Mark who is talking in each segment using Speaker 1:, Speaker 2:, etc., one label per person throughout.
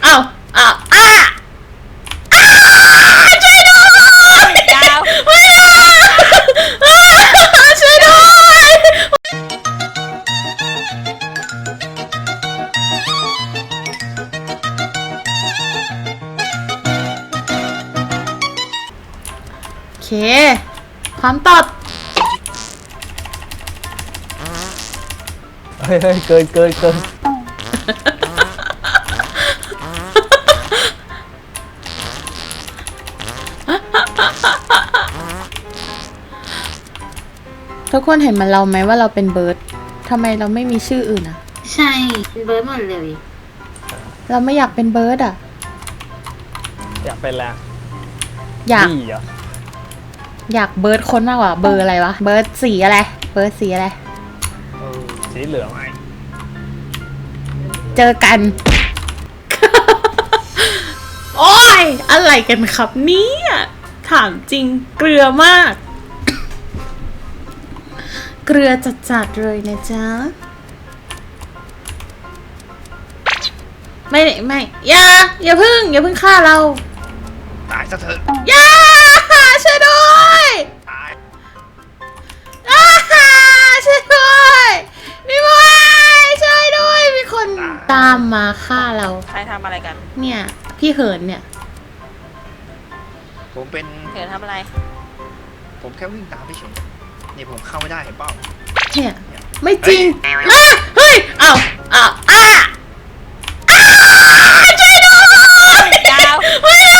Speaker 1: อ้าวอ้าวอ้าช่วยด้วย
Speaker 2: ดาว
Speaker 1: ไม่นะช่วยด้วยโอเคพร้อมตอบ
Speaker 3: เฮ้ยเกิน
Speaker 1: ทุกคนเห็นมันเราไหมว่าเราเป็นเบิร์ดทำไมเราไม่มีชื่ออื่นอะ
Speaker 4: ใช่เป็นเบิร์ดหมดเลย
Speaker 1: เราไม่อยากเป็นเบิร์ดอะ
Speaker 3: อยากเป็นแล้ว
Speaker 1: อยาก
Speaker 3: บี้เหรอ
Speaker 1: อยากเบิร์ดคนมากกว่าเบอร์อะไรวะเบิร์ดสีอะไรเบิร์ดสีอะไร
Speaker 3: สีเหลืองไง
Speaker 1: เจอกัน โอ้ยอะไรกันครับเนี่ยถามจริงเกลือมาก เกลือจัดๆเลยนะจ๊ะไม่อย่าเพิ่งฆ่าเรา
Speaker 3: ตายซะเถอะ
Speaker 1: อย่าช่วยด้วย
Speaker 3: ตาย
Speaker 1: ช่วยด้วยพี่บอยช่วยด้วยมีคนตามมาฆ่าเรา
Speaker 2: ใครทำอะไรกัน
Speaker 1: เนี่ยพี่เหินเนี่ย
Speaker 5: ผมเป็น
Speaker 2: เธอทำอะไร
Speaker 5: ผมแค่วิ่งตามไปเฉยนี่ผมเข้าไม่ได้เห็นเปล่า
Speaker 1: เนี่ยไม่จริงเฮ้ยอ้าวช่วยด้วย
Speaker 2: ดาว
Speaker 1: ไม่นะ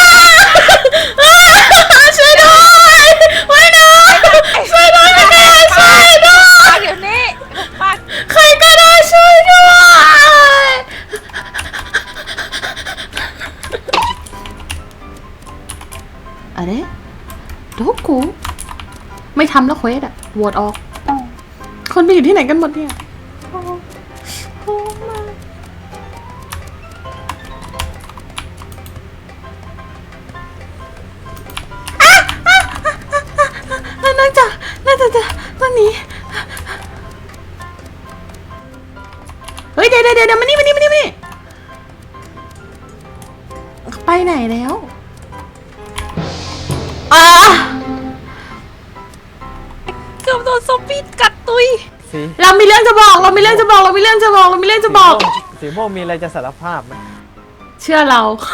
Speaker 1: ช่วยด้วยไม่นะช่วยด้วยไม่ได้ช่วยด้วย
Speaker 2: ปักอยู่นี่ปัก
Speaker 1: ใครก็ได้ช่วยด้วยอะไรโดกูไม่ทำแล้วเควสอะโหวตออก คนไปอยู่ที่ไหนกันหมดเนี่ยน่าจะวันนี้เฮ้ยเดี๋ยวมานี่ไปไหนแล้ว
Speaker 2: เกือบโดนซอมบี้กัดตุย
Speaker 3: สี
Speaker 1: เรามีเรื่องจะบอก
Speaker 3: สีม่วงมีอะไรจะสารภาพไหม
Speaker 1: เชื่อเรา
Speaker 2: ใช่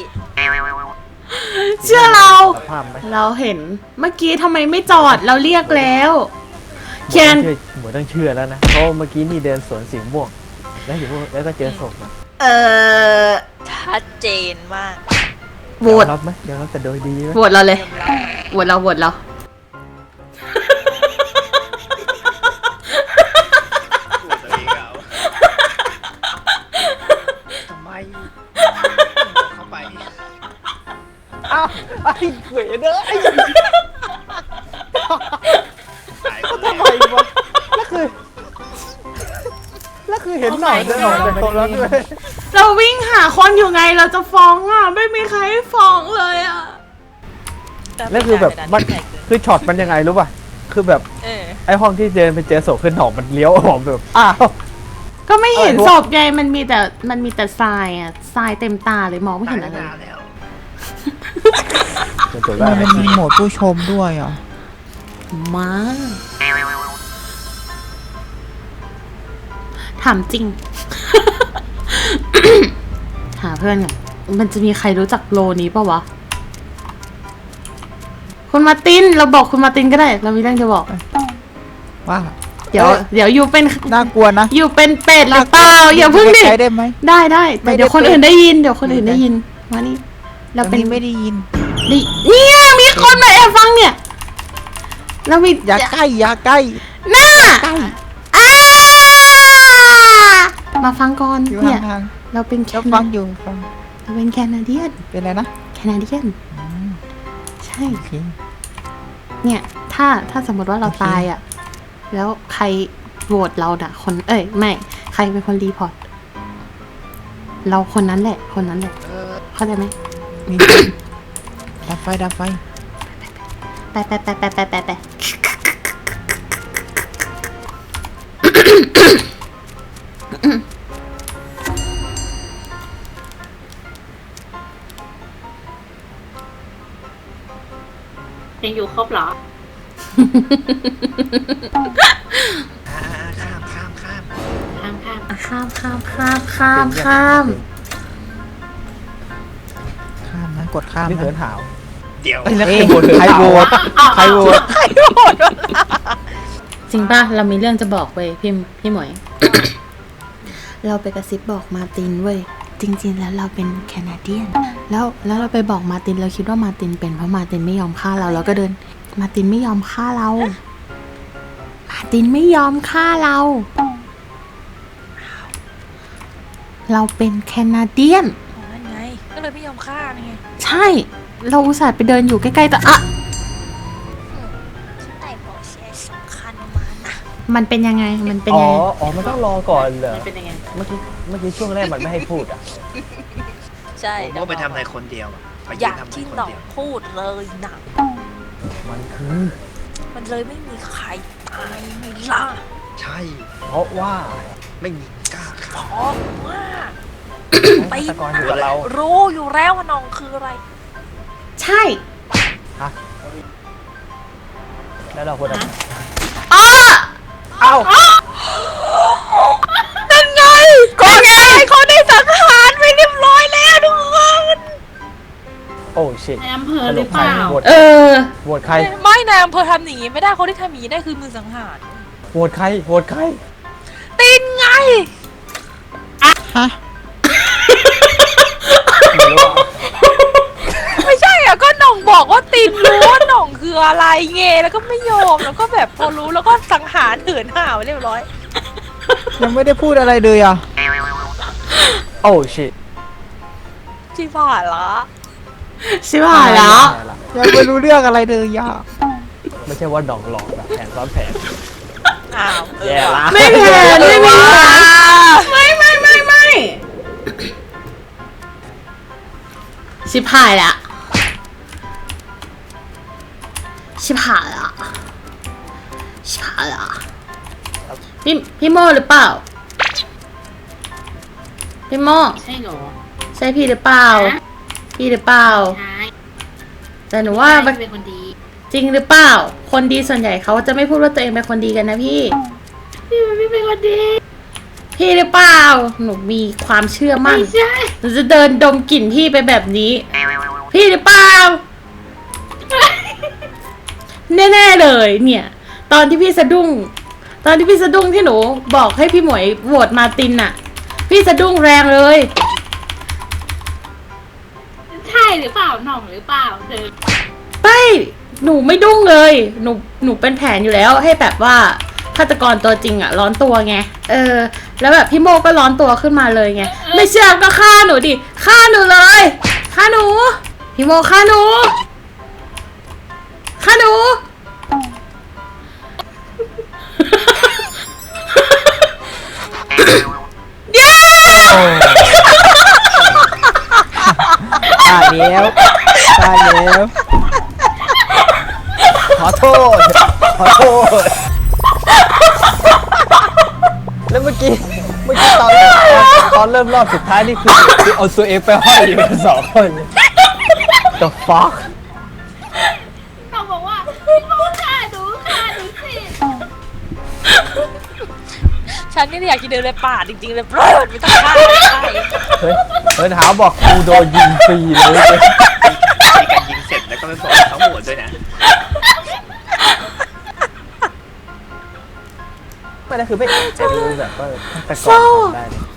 Speaker 1: เชื่อเรา
Speaker 3: สารภาพไหม
Speaker 1: เราเห็นเมื่อกี้ทำไมไม่จอดเราเรียกแล้วเคียน
Speaker 3: หมดต้องเชื่อแล้วนะเพราะเมื่อกี้นี่เดินสวนสีม่วงแล้วก็เจอศพอะ
Speaker 2: ชัดเจนมาก
Speaker 1: โหวต
Speaker 3: ยอมรับไหมยอมรับแต่โดยดีไหม
Speaker 1: โหวตเราเลยโหวตเรา
Speaker 5: ตัวตัวเองเอาทำไมเข้าไป
Speaker 3: อ้าวไอ้เขยเด้อไอ้
Speaker 5: ตายคน
Speaker 3: ทำไม
Speaker 5: แรก
Speaker 3: วะแล้วคือเห็นหน่อยเดินออกจากตรงนั้นด้วย
Speaker 1: เราวิ่งหาคนอยู่ไงเราจะฟ้องอ่ะไม่มีใครให้ฟ้องเลยอ่ะ
Speaker 3: แล้วคือแบบมันคือช็อตมันยังไงรู้ป่ะคือแบบ
Speaker 2: เออ
Speaker 3: ไอ้ห้องที่เดินไปเจอศพคือหนองมันเลี้ยวออกแบบอ้าว
Speaker 1: ก็ไม่เห็น
Speaker 3: อะไรวะ
Speaker 1: ศพไงมันมีแต่ทรายอ่ะทรายเต็มตาเลยมองไม่
Speaker 5: ตา
Speaker 1: เห็
Speaker 5: ย
Speaker 1: นอะไร
Speaker 5: นานแล้ว
Speaker 6: มันมีโหมดผู้ชมด้วยเหรอ
Speaker 1: มาถามจริง หาเพื่อนก่อนมันจะมีใครรู้จักโลนี้ปะวะคุณมาร์ตินเราบอกคุณมาร์ตินก็ได้ เรามีเรื่องจะบอก
Speaker 6: ว่า
Speaker 1: เดี๋ยวอยู่เป็น
Speaker 6: น่ากลัวนะ
Speaker 1: อยู่เป็นเป็ดหรือเปล่าอย่าเพิ่งดิ
Speaker 6: ใช้ได้ไหม
Speaker 1: ได้แต่
Speaker 6: ไม่ได้
Speaker 1: เดี๋ยวคนอื่นได้ยินมานี่เรา
Speaker 6: ตอน
Speaker 1: เป็น
Speaker 6: นี้ไม่ได้ยิน
Speaker 1: เนี่ยมีคนมาแอบฟังเนี่ยเรามี
Speaker 6: อย่าใกล้อย่าใกล้
Speaker 1: หน้า
Speaker 6: ใกล้
Speaker 1: อ้ามาฟังก่อน
Speaker 6: อยู่
Speaker 1: เนี่ย
Speaker 6: ห่าง
Speaker 1: เราเป็น
Speaker 6: ๆแล้วฟังอยู่ฟัง
Speaker 1: เราเป็นแคนาเดียน
Speaker 6: เป็นอะไรนะ
Speaker 1: ใช่
Speaker 6: โอเค
Speaker 1: เนี่ยถ้าสมมติว่าเราตายอ่ะแล้วใครโหวตเราน่ะคนไม่ใครเป็นคนรีพอร์ตเราคนนั้นแหละเข้าใจไหม
Speaker 6: มีดับไฟ
Speaker 1: ไป
Speaker 4: ยังอยู่ครบเหรอ
Speaker 5: ข้ามข้ามข้าม
Speaker 4: ข้ามข้าม
Speaker 1: อ่ะข้ามข้ามข้ามข้ามข้าม
Speaker 6: ข้ามนะกดข้าม
Speaker 3: นี่เหิน
Speaker 6: นะ
Speaker 3: หาว
Speaker 5: เดี๋ยว
Speaker 3: เอ้ยแล้ว
Speaker 6: เอ้
Speaker 3: ใครโหวต
Speaker 6: ใครโหวตใครโหวต
Speaker 1: จริงป่ะ เรามีเรื่องจะบอกเว้ยพี่หมวย เราไปกระซิบบอกมาร์ตินเว้ย จริงๆแล้วเราเป็นแคนาเดียน แล้วเราไปบอกมาร์ตินเราคิดว่ามาร์ตินเป็นเพราะมาร์ตินไม่ยอมฆ่าเราก็เดิน มาร์ตินไม่ยอมฆ่าเรา มาร์ตินไม่ยอมฆ่าเรา เราเป็นแคนาเดียน
Speaker 2: อ๋อนั่นไง ก็เลยไม่ยอมฆ่านี่ไง
Speaker 1: ใช่ เราอุตส่าห์ไปเดินอยู่ใกล้ๆแต่อะ
Speaker 2: ฉันได้บอกเสียสำคัญมานะ
Speaker 1: มันเป็นยังไง มันเป็น
Speaker 3: อ๋อ
Speaker 1: ยังไง
Speaker 3: อ๋อมันต้องรอก่อนเหรอ
Speaker 4: มันเป็นยังไง
Speaker 3: เมื่อกี้ช่วงแรกมันไม่ให้พูดอ่ะ
Speaker 2: ใช่
Speaker 5: ผมก็ไปทำอะไรคนเดียวอะไป
Speaker 2: อ
Speaker 5: ยื
Speaker 2: ย่าน ง
Speaker 5: ทำอะไร
Speaker 2: ที่
Speaker 5: คน
Speaker 2: หน่อง
Speaker 5: เดียว
Speaker 2: พูดเลยนะ
Speaker 3: มันคือ
Speaker 2: มันเลยไม่มีใครตายไม่ล่ะ
Speaker 5: ใช่
Speaker 3: เพราะว่า
Speaker 5: ไม่มีกล้า
Speaker 2: เพ
Speaker 5: ฆ่า
Speaker 2: ราะว่า
Speaker 3: ฆาตกรอยู่กับเรา
Speaker 2: รู้อยู่แล้วว่าน้องคืออะไร
Speaker 1: ใช่
Speaker 3: แล้วเราควรจะ
Speaker 1: อ้อ
Speaker 3: เอ้า
Speaker 2: นั่นไงก็ไงเขาได้สังหารไปเรียบร้อยแล้วทุกคน
Speaker 3: โอ้ชิต
Speaker 4: ในอำเภอหรือเปล่า
Speaker 3: โหวต
Speaker 1: เออ
Speaker 3: โหวตใคร
Speaker 2: ไม่นายอำเภอทำอย่างนี้ไม่ได้คนที่ทำอย่างนี้ได้คือมือสังหาร
Speaker 3: โหวตใครโหวตใคร
Speaker 2: ตินไง
Speaker 6: ฮะ
Speaker 3: ไม่รู้อะ
Speaker 2: ไม่ใช่อ่ะก็หน่องบอกว่าตินรู้ว่าหน่องคืออะไรเงแล้วก็ไม่ยอมแล้วก็แบบพอรู้แล้วก็สังหารเถื่อนห่าวเรียบร้อย
Speaker 6: ยังไม่ได้พูดอะไรเลยอ่ะ
Speaker 3: โอ้ชิต
Speaker 2: จีผ่านละ
Speaker 1: ชิบหายแล้ว
Speaker 6: ยังไม่รู้เรื่องอะไรเลยอ่ะ
Speaker 3: ไม่ใช่ว่าดองหลอกแบบแผนซ้อนแผน
Speaker 2: อ้าว
Speaker 3: แย่ละ
Speaker 1: ไม่แผนไม่มีแผนไม่ชิบหายละชิบหายละชิบหายละพี่โมหรือเปล่า พี่โม
Speaker 4: ใช่เหรอ
Speaker 1: ใช่พี่หรือเปล่า
Speaker 4: ฮะ
Speaker 1: พี่หรือเปล่า
Speaker 4: ใช่
Speaker 1: แต่หนูว่า
Speaker 4: ไม่เป็นคนดี
Speaker 1: จริงหรือเปล่า คนดีส่วนใหญ่เขาจะไม่พูดว่าตัวเองเป็นคนดีกันนะพี่
Speaker 4: พี่มันไม่เป็นคนดี
Speaker 1: พี่หรือเปล่า หนูมีความเชื่อมั่น
Speaker 4: ไม่ใช่
Speaker 1: หนูจะเดินดมกลิ่นพี่ไปแบบนี้ พี่หรือเปล่า แน่ๆเลยเนี่ย ตอนที่พี่สะดุ้งที่หนูบอกให้พี่หมวยโหวตมาร์ตินน่ะ พี่สะดุ้งแรงเลย
Speaker 4: ใช่หรือเปล่าหน่องหรือเปล่าเธอ
Speaker 1: ไม่หนูไม่ดุ้งเลย หนูเป็นแผนอยู่แล้วให้แบบว่าฆาตกรตัวจริงอะร้อนตัวไง แล้วแบบพี่โมก็ร้อนตัวขึ้นมาเลยไง ไม่เชื่อก็ฆ่าหนูดิ ฆ่าหนูเลย ฆ่าหนู พี่โมฆ่าหนู ฆ่าหนู เย้
Speaker 6: ตายแล้วตายแล้ว
Speaker 3: ขอโทษ ขอโทษ แล้วเมื่อกี้ตอนเริ่มรอบสุดท้ายนี่คือเอาตัวเองไปห้อยอยู่กันสองคน The fuck
Speaker 4: หน่องบอกว่าพี่โมฆ่าหนูสิ
Speaker 2: ฉันนี่อยากจะเดินในป่าจริงๆเลยเปล่าไม่ต้องฆ่าไม่ใช่
Speaker 3: เฮ้ยเฮ้ยถามบอกกูโดนยิงฟรีเลย
Speaker 5: มีการยิงเสร็จแล้วก็ไปบอกเขาหมดด้วยนะ
Speaker 3: ไม่ได้คือไม่จะรู้แบบว่าแต่ก่อนทำได้เลย